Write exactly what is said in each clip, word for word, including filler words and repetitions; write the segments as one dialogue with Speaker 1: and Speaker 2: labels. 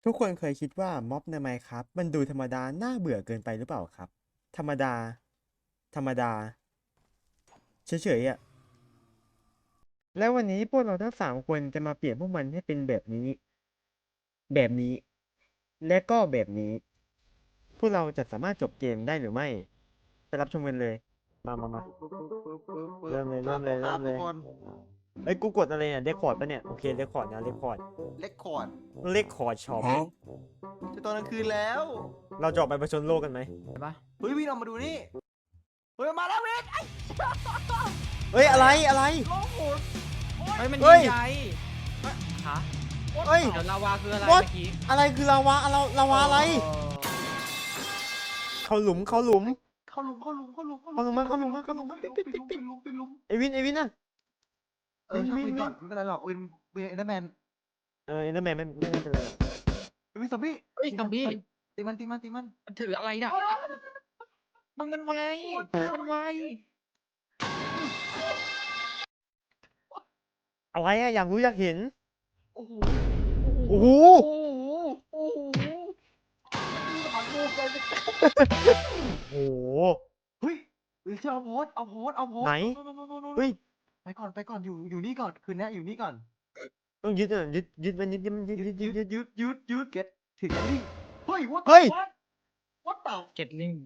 Speaker 1: ทุกคนเคยคิดว่าม็อบใน Minecraft มันดูธรรมดาน่าเบื่อเกินไปหรือเปล่าครับ ธรรมดา ธรรมดา เฉยๆอ่ะ แล้ววันนี้พวกเราทั้งสามคนจะมาเปลี่ยนพวกมันให้เป็นแบบนี้ แบบนี้ และก็แบบนี้ พวกเราจะสามารถจบเกมได้หรือไม่ ไปรับชมกันเลย มามามาเริ่มเลยเริ่มเลยเริ่มเลย
Speaker 2: ทุกคน
Speaker 1: เอ้ยกูกดอะไรเนี่ยเรคคอร์ดปะเนี่ย โอเคเรคคอร์ดนะเรคคอร์ด
Speaker 2: เล็กคอร์ด
Speaker 1: เรคคอร์ดช็อป
Speaker 2: จะตอนกลางคืนแล้ว
Speaker 1: เราจะออกไปผจญโลกกันไหม
Speaker 2: เฮ้ยวิ่งออกมาดูนี่ เฮ้ยมาแล้วเวท
Speaker 1: เฮ้ยอะไรอะไร
Speaker 2: โลกหมุน
Speaker 3: เฮ้ยมัน
Speaker 1: เฮ้
Speaker 3: ยิ
Speaker 1: ย
Speaker 3: งใหญ่ฮะ
Speaker 1: เฮ้ย
Speaker 3: เดี๋ยวลาวาคืออะไร
Speaker 1: What?
Speaker 3: เมื่อกี้
Speaker 1: อะไรคือลาวาอะไรลาวาอะไร เขาหลุมเขาหลุม
Speaker 2: เข้าหลุมเข้าหลุมเข้าหลุม
Speaker 1: เข้าหลุมมาเข้าหลุมมาเข้าหลุมมา
Speaker 2: ปิด
Speaker 1: ปิ
Speaker 2: ปิ
Speaker 1: ด
Speaker 2: ด
Speaker 1: ปิ
Speaker 2: ปิ
Speaker 1: ด
Speaker 2: ด
Speaker 1: ปิด
Speaker 2: ลุมปิดลุม
Speaker 1: ไอวินไอวินน่ะ
Speaker 2: เออช่าง
Speaker 1: วิ่
Speaker 2: ปิ
Speaker 1: ง
Speaker 2: ดก่อน
Speaker 1: วิ่ง
Speaker 2: ไม่เป็นไรหรอกเวนเวนเอ็นเดอร์แมน
Speaker 1: เออเอ็นเดอร์แมนไม่ไม่ไม่เป็นไรหรอก
Speaker 2: เวนซอมบี้
Speaker 3: เฮ้ยซอมบี้
Speaker 2: ตีมันตีมันตีมัน
Speaker 3: มันถืออะไรน่ะมันมันไวมันไว
Speaker 1: อะไรอะอยากรู้อยากเห็น
Speaker 2: โอ้โห
Speaker 1: โอ้โห
Speaker 2: โอ้โหโอ้โหหางงูกัน
Speaker 1: โอ้โห
Speaker 2: เฮ้ยเฮ้ยเอาโพสเอาโพสเอาโพส
Speaker 1: ไหน เฮ้ย
Speaker 2: ไปก่อนไปก่อนอยู่อยู่นี่ก่อนคืนนี้อยู่นี่ก่อน
Speaker 1: ต้องยึดอ่ะยึดยึดมันยึดยึดยึดยึดยึดยึด
Speaker 2: ยืดยืดเก็ตถึงนี่เฮ้ย what
Speaker 1: เฮ้ย
Speaker 2: what what เต่า
Speaker 3: เก็ตลิง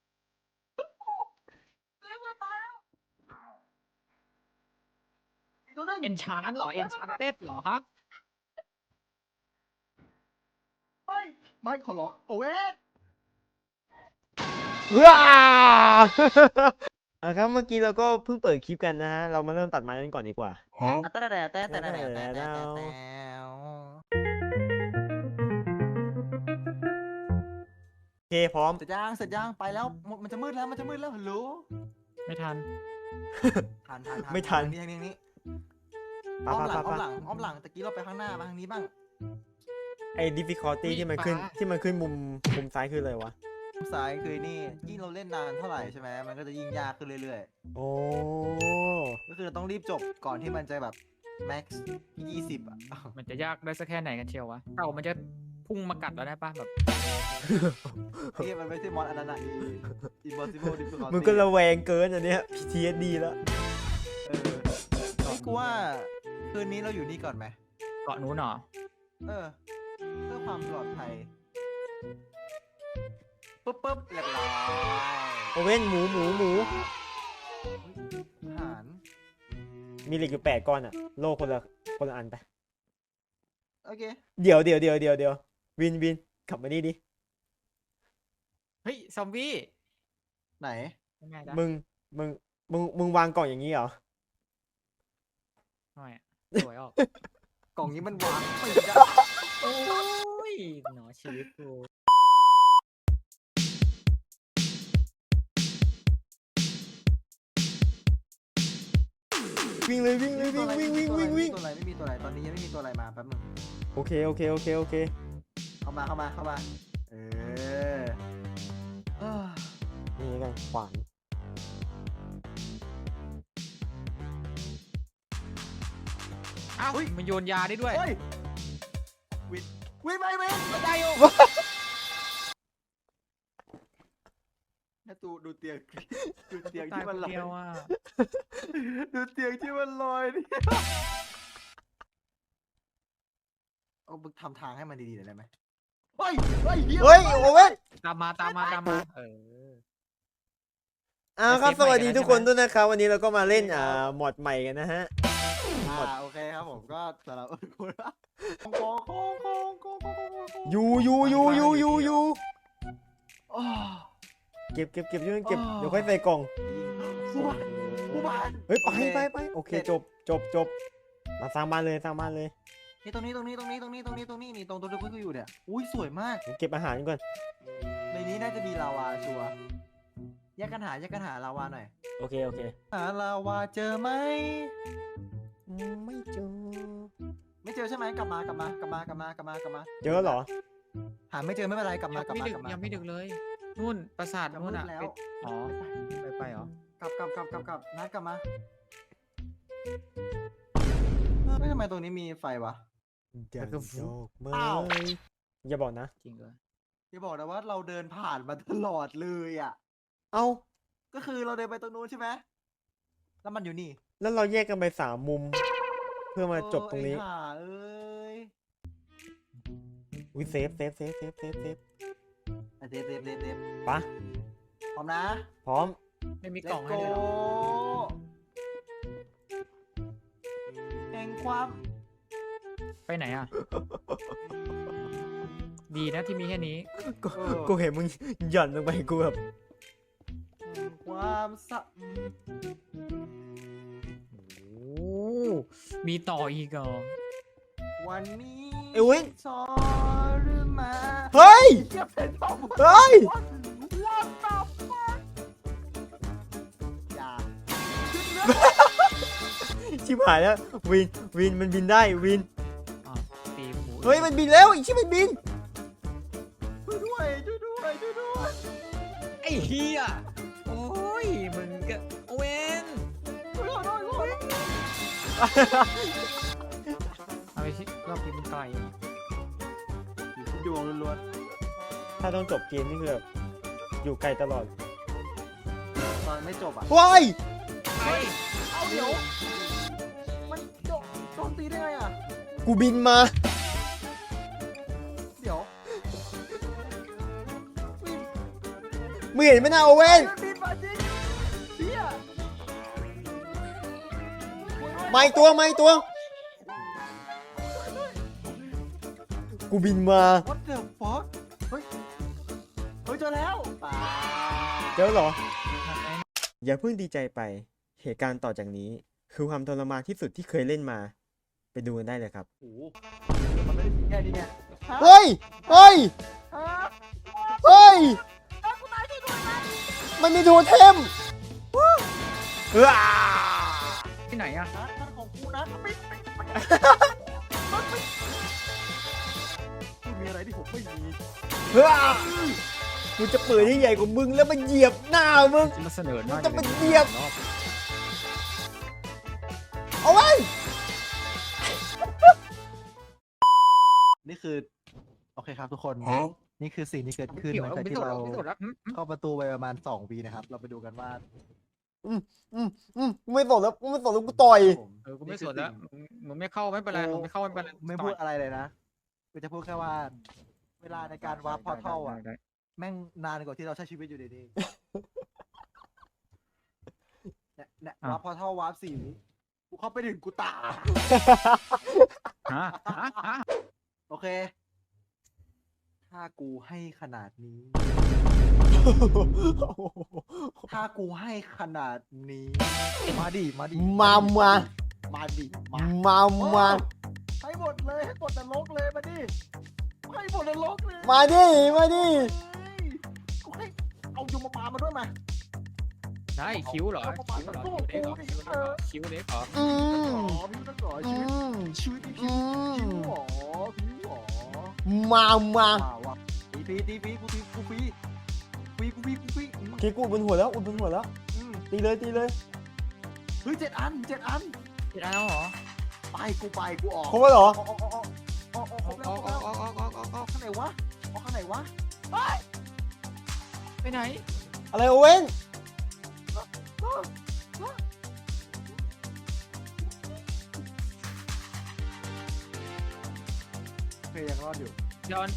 Speaker 2: ตัวนั้น
Speaker 3: เอนชานเหรอเอนชานเต็ดเหรอฮะ
Speaker 2: เฮ้ยไม่ขอร้องโอ้เว้ย
Speaker 1: ว้าอ่ะครับเมื่อกี้เราก็เพิ่งเปิดคลิปกันนะฮะ เรามาเริ่มตัดไม้กันก่อนดีกว่า
Speaker 2: แต่แต่แต่แต่แต่แต่แต่
Speaker 1: โอเคพร้อม
Speaker 2: เสร็จยังเสร็จยังไปแล้วมันจะมืดแล้วมันจะมืดแล้วฮัลโหล
Speaker 3: ไม่ทัน
Speaker 2: ทันทัน
Speaker 1: ไม่ทัน
Speaker 2: ทางนี้ทางนี้
Speaker 1: ปะ
Speaker 2: อ้อม
Speaker 1: ปะ
Speaker 2: หลัง
Speaker 1: ปะ
Speaker 2: อ้อม
Speaker 1: ปะ
Speaker 2: หลังอ้อมหลังตะกี้เราไปข้างหน้ามาทางนี้บ้าง
Speaker 1: ไอ้ difficulty ที่มันขึ้นที่มันขึ้นมุมมุมซ้ายคืออะไรวะ
Speaker 2: ซ้ายคือนี่ยิ่งเราเล่นนานเท่าไหร่ใช่ไหมมันก็จะยิ่งยากขึ้นเรื่อย
Speaker 1: โอ้
Speaker 2: ๆก็คือเราต้องรีบจบก่อนที่มันจะแบบ max ยี่สิบอ่ะ
Speaker 3: มันจะยากได้สักแค่ไหนกันเชียววะเต่ามันจะพุ่งมากัดแล้วได้ปะแบบ
Speaker 2: ที่มันไม่ใช่มอสอันนั้นอ่ะ impossible difficulty
Speaker 1: มึงก็ระแวงเกินอันเนี้ย พี ที เอส ดี แล้ว
Speaker 2: เออนี่กูว่าคืนนี้เราอยู่นี่ก่อนไหม
Speaker 3: เกาะนู้นเหรอ
Speaker 2: เออเพื่อความปลอดภัยปุ๊บปุ๊บเรียบร้อย
Speaker 1: โอเว่นหมูหมูหมู
Speaker 2: อาหาร
Speaker 1: มีเหล็กอยู่แปดก้อนอะโลคนละคนละอันไป
Speaker 2: โอเค
Speaker 1: เดี๋ยวเดี๋ยวเดี๋ยวเดี๋ยวเดี๋ยววินวินขับมานี่ดิ
Speaker 3: เฮ้ยซอมบี้
Speaker 2: ไหน
Speaker 3: ยังไงจ๊ะ
Speaker 1: มึงมึงมึงมึงวางกล่องอย่างนี้เหรอ
Speaker 3: ทำไมอะสวยออก
Speaker 2: กล่องนี้มันวางไม่ได้
Speaker 3: โอ้ยหนอชีวิตกู
Speaker 1: วิ่งเลยวิ่งเลยวิ่งวิ่งวิ่งวิ่งวิ่ง
Speaker 2: ตัวอะไรไม่มีตัวอะไรตอนนี้ยังไม่มีตัวอะไรมาแป๊บนึง
Speaker 1: โอเคโอเคโอเคโอเค
Speaker 2: เข้ามาเข้ามาเข้ามาเออเอ้อ
Speaker 1: นี่ไงขวาน
Speaker 3: อ้าวมันโยนยาได้ด้วย
Speaker 2: เฮ้ยวินวินไปวิน
Speaker 3: ได้โย
Speaker 2: นะตูดูเตียงดูเตียง
Speaker 3: ตาย
Speaker 2: ที่
Speaker 3: ค
Speaker 2: มัน
Speaker 3: น
Speaker 2: ลอย
Speaker 3: เดียวอ่ะ
Speaker 2: ดูเตียงที่มันลอยนี่เอาบึกทำทางให้มันดีๆหน่อยได้ไหมเฮ้ยเฮ้ย
Speaker 1: เฮ้ยโอเว่น
Speaker 3: ตามมาตามมาตามมาเออ
Speaker 1: อ่าครับ
Speaker 3: ไป
Speaker 1: ส
Speaker 3: เซฟใหม่
Speaker 1: วัสดี
Speaker 3: กันแล้ว
Speaker 1: ทุกคน
Speaker 3: ใช่ไหม
Speaker 1: ด้วยนะครับวันนี้เราก็มาเล่นอ่าหมอดใหม่กันนะฮะ
Speaker 2: อ่าโอเคครับผมก็สำหรับคุณละโค้งโค้งโค้งโค้งโค้งโค้งโค้ง
Speaker 1: ยูยูยูยูยูยู
Speaker 2: อ้อ
Speaker 1: เก็บเก็บเก็บช่วยเก็บ
Speaker 2: อ๋อ
Speaker 1: เดี๋ยวค่อยใส่กล่อง
Speaker 2: ผู้บ้านผู้บ้าน
Speaker 1: เฮ้ยไป
Speaker 2: โอเค
Speaker 1: ไปไปโอเค
Speaker 2: เสร็จ
Speaker 1: จบจบจบมาสร้างบ้านเลยสร้างบ้านเลย
Speaker 2: นี่ตรงนี้ตรงนี้ตรงนี้ตรงนี้ตรงนี้ตรงนี้นี่ตรงตัวที่คุณอยู่เนี่ยอุ้ยสวยมาก
Speaker 1: เก็บอาหารก่อน
Speaker 2: ในนี้น่าจะมีลาวาชัวร์แยกกันหาแยกกันหาลาวาหน่อย
Speaker 1: โอเคโอเค
Speaker 2: หาลาวาเจอไหม
Speaker 1: อืมไม่เจอ
Speaker 2: ไม่เจอใช่ไหมกลับมากลับมากลับมากลับมากลับมากลับมา
Speaker 1: เจอเหรอ
Speaker 2: หาไม่เจอไม่เป็นไรกลับ
Speaker 3: ยั
Speaker 2: มาง กลับ
Speaker 3: ไม่
Speaker 2: มา
Speaker 3: ดึก
Speaker 2: กลับมา
Speaker 3: ยังไม่ดึกเลย นู่นปราสาท
Speaker 2: จะ
Speaker 3: นู่
Speaker 2: มื
Speaker 3: น
Speaker 2: ด
Speaker 3: อ่ะ
Speaker 2: แล้ว
Speaker 3: ไปอ๋อไปไปเหรอก
Speaker 2: ลับกลับกลับกลับกลับนัดกลับมาเฮ้ยทำไมตรงนี้มีไฟวะ
Speaker 1: ดังดอกไม้
Speaker 2: อ้าว
Speaker 1: อย่าบอกนะ
Speaker 3: จริงเลย
Speaker 2: อย่าบอกนะว่าเราเดินผ่านมาตลอดเลยอ่ะ
Speaker 1: เอ้า
Speaker 2: ก็คือเราเดินไปตรงนู้นใช่ไหมแล้วมันอยู่นี่
Speaker 1: แล้วเราแยกกันไปสามมุม เพื่อมาจบตรงนี้
Speaker 2: เออไอ้ห่าเอ้ย
Speaker 1: อุ้ยเซฟเซฟเซฟเซฟเซฟเซฟ
Speaker 2: อ่ะเดฟเดฟเดฟเดฟ
Speaker 1: ปะ
Speaker 2: พร้อมนะ
Speaker 1: พร้อม
Speaker 3: ไม่มีกล่อง
Speaker 2: Let's
Speaker 3: ให้เลยเหรอ
Speaker 2: go แห่งความ
Speaker 3: ไปไหนอ่ะ ดีนะที่มีแค่นี้
Speaker 1: กู
Speaker 2: เออ
Speaker 1: กูเห็นมึงหย่อนลงไปกูแบบ
Speaker 2: แห่งความสะ
Speaker 3: โอ้มีต่ออีกเหรอ
Speaker 2: วันนี้
Speaker 1: เอ้ยเว้ย
Speaker 2: สอหรือมา
Speaker 1: เฮ้ย
Speaker 2: เทียบเป็นต้อง
Speaker 1: เฮ้ย
Speaker 2: What the fuck อย่า
Speaker 1: ชิบหายแล้ววินวินมันบินได้วิน
Speaker 3: อ่ะตีหมู
Speaker 1: เฮ้ยมันบินแล้วอีกชิบมันบิน
Speaker 2: ช่วยด้วยช่วยด้วยช่วยด้วย
Speaker 3: ไอ้เฮียโอ้ยมึงก็เวน
Speaker 2: ช่วยด้วยช่วยด้วย
Speaker 3: เอาไปชิรอบนี้มันไกลอะ
Speaker 2: อยู่ที่ดวงล้วน
Speaker 1: ถ้าต้องจบเกมนี่คือแบบอยู่ไกลตลอด
Speaker 2: ๆตอนไม่จบอ่ะ
Speaker 1: ว้าย
Speaker 3: ไอ้
Speaker 2: เอาเดี๋ยว มันโดนโดนตีได้ไงอ่ะ
Speaker 1: กูบินมา
Speaker 2: เดี๋ยววิน
Speaker 1: มึงเห็นไหมนะโอเว่น
Speaker 2: มันบินมาจริงเฮีย
Speaker 1: มาอีกตัวมาอีกตัว กูบินมา
Speaker 2: What the fuck เฮ้ย เฮ้ยเจอแล้วป่า
Speaker 1: เจอเหรอ อย่าเพิ่งดีใจไป เหตุการณ์ต่อจากนี้ คือความทรมานที่สุดที่เคยเล่นมา ไปดูกันได้เลยครับ
Speaker 2: โอ้โหมันไม่ได้แค่นี้ไงฮะ
Speaker 1: เฮ้ย เฮ้ย
Speaker 2: ฮะ
Speaker 1: เฮ้ย
Speaker 2: เอากูตายช่วยด้วยนะ
Speaker 1: มันมีโทเทมว้า
Speaker 3: ที่ไหนอ่ะ
Speaker 2: ฮะนั่นของกูนะปิดปิดปิดปิดไม่มีอะไรที่ผมไม่มี
Speaker 1: ว้ากูจะเปิดให้ใหญ่กว่ามึงแล้วมันเหยียบหน้ามึง
Speaker 3: จะมาเสนอหน้า
Speaker 1: จะมาเหยียบ เอาไว้
Speaker 2: นี่คือ โอเคครับทุกคน นี่คือสิ่งที่เกิดขึ้น
Speaker 3: เกี่ยว
Speaker 2: หลัง
Speaker 3: แล้ว
Speaker 2: จาก
Speaker 3: พิ
Speaker 2: ที่
Speaker 3: สูจน์
Speaker 2: เรา
Speaker 3: แล้วพิสูจน์แล้วอืมอืม
Speaker 2: เข้าประตูไปประมาณสองวีนะครับ เราไปดูกันว่า
Speaker 1: อืมอืมอืมกูไม่สนแล้วกูไม่สนแล้วกูต่อย
Speaker 2: ผม
Speaker 3: เออกูไม่สนแล้วมึงมึงไม่เข้าไม่เป็นไรมึงไม่เข้าไม่เป็นไร
Speaker 2: ไม่พูดอะไรเลยนะกูจะพูดแค่ว่า เวลาในการวาร์ปพอร์ทัลอ่ะ
Speaker 3: ได้ได้
Speaker 2: แม่งนานกว่าที่เราใช้ชีวิตอยู่ดีๆเนี่ยเนี่ยวาร์ปพอร์ทัลวาร์ปสี่วิกูเข้าไปถึงกูตาย
Speaker 3: ฮะฮะฮะ
Speaker 2: โอเค ถ้ากูให้ขนาดนี้ ถ้ากูให้ขนาดนี้ มาดิ มาดิ
Speaker 1: มามา
Speaker 2: มาดิมา
Speaker 1: มามา
Speaker 2: ให้หมดเลยให้หมดนรกเลยมาดิให้หมดนรกเลย
Speaker 1: มาดิมาดิ
Speaker 2: เฮ้ยกูให้เอายมบาลมาด้วยมา
Speaker 3: ได้คิ้วเหรอคิ้วเหรอคิ้วเด็กเหรอคิ้วเด็กเหรอ
Speaker 1: อืม
Speaker 2: อ๋อพี่ต้องก่อ
Speaker 1: อื
Speaker 2: ชีวิต
Speaker 1: ม
Speaker 2: ชีวิตนี่
Speaker 1: อื
Speaker 2: พี่
Speaker 1: ม
Speaker 2: หรอพี่หรอ
Speaker 1: มามา
Speaker 2: ว้าวว่ะตีฟีตีฟีกูตีกูฟีฟีกูฟีกูฟีอืม
Speaker 1: คิดกูอุดบนหัวแล้วอุดบนหัวแล้ว
Speaker 2: อืม
Speaker 1: ตีเลยตีเลย
Speaker 2: เฮ้ยเจ็ดอันเจ็ดอัน
Speaker 3: ติดอะไรแล้วเหรอ
Speaker 2: ไปกูไปกูออก
Speaker 1: ครบแล้วเหรอ
Speaker 2: ออกออกออกออกออกออก
Speaker 3: ออกออกออกออกออกออก
Speaker 2: ออกข้างไหนวะออกข้างไหนวะเฮ้ย
Speaker 3: ไปไหน
Speaker 1: อะไรโอเว่น
Speaker 2: โอเคยังรอดอยู่
Speaker 3: ย้อน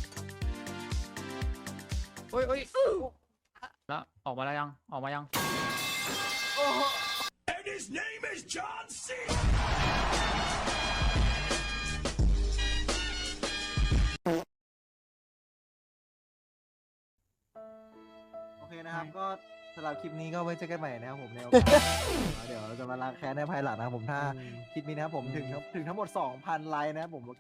Speaker 3: โอ้ยโอ้ยแล้วออกมาแล้วยังออกมายัง
Speaker 2: โอ้โห โอเคนะครับ ก็สำหรับคลิปนี้ก็ไว้เจอกันใหม่นะครับผมในโอกาส เดี๋ยวเราจะมาล้างแค้นในภายหลังนะครับผมถ้าคลิปนี้นะครับผมถึงถึงทั้งหมด สองพัน ไลค์นะครับผมโอเค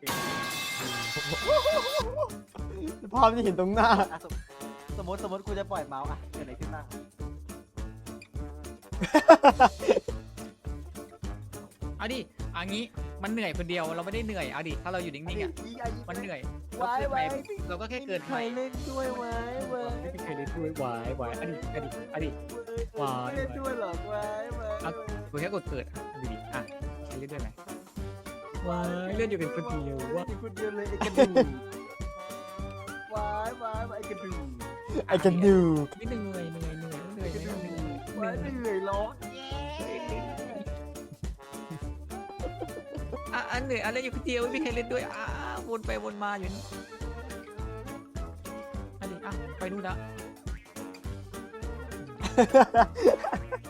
Speaker 1: ภาพที่เห็นตรงหน้า
Speaker 2: อ่ะสมสมมติสมมติกูจะปล่อยเมาส์อ่ะเกิดอะไรขึ้นบ้าง
Speaker 3: เอาดิอันนี้มันเหนื่อยคนเดียวเราไม่ได้เหนื่อยเอาดิถ้าเราอยู่นิ่งๆอ่ะมันเหนื่อย
Speaker 2: ไว้ไว้
Speaker 3: เราก็แค่เกิน
Speaker 2: ใค
Speaker 3: ไป
Speaker 2: รเล่นด้วยไว้ไว้
Speaker 3: ไม่มีใครเล่นด้วยวายวายอดีอดีอดี ไว้
Speaker 2: ไม่เล่นด้วยหรอกไว้ไว้
Speaker 3: กูแค่กดเกิดอ่ะดูดิอ่ะใครเล่นด้วยไหมวายเล่นอยู่เป็นคนเดียว
Speaker 2: ว่า
Speaker 3: ว่า
Speaker 2: คนเดียวเลยไอ้กระดูกกระดูก
Speaker 1: ไอ้กระดู
Speaker 3: ไม่เหนื่อยเหนื่อยเหนื่อยเหนื่อยเหนื่อยเหนื่อย
Speaker 2: ว่าเหนื่อยร้อง
Speaker 3: อ่ะอันเหนื่อยอะไรอยู่คนเดียวไม่มีใครเล่นด้วยอ่ะวนไปวนมาอยู่นี่อันนี้อ่ะไปนู่นละ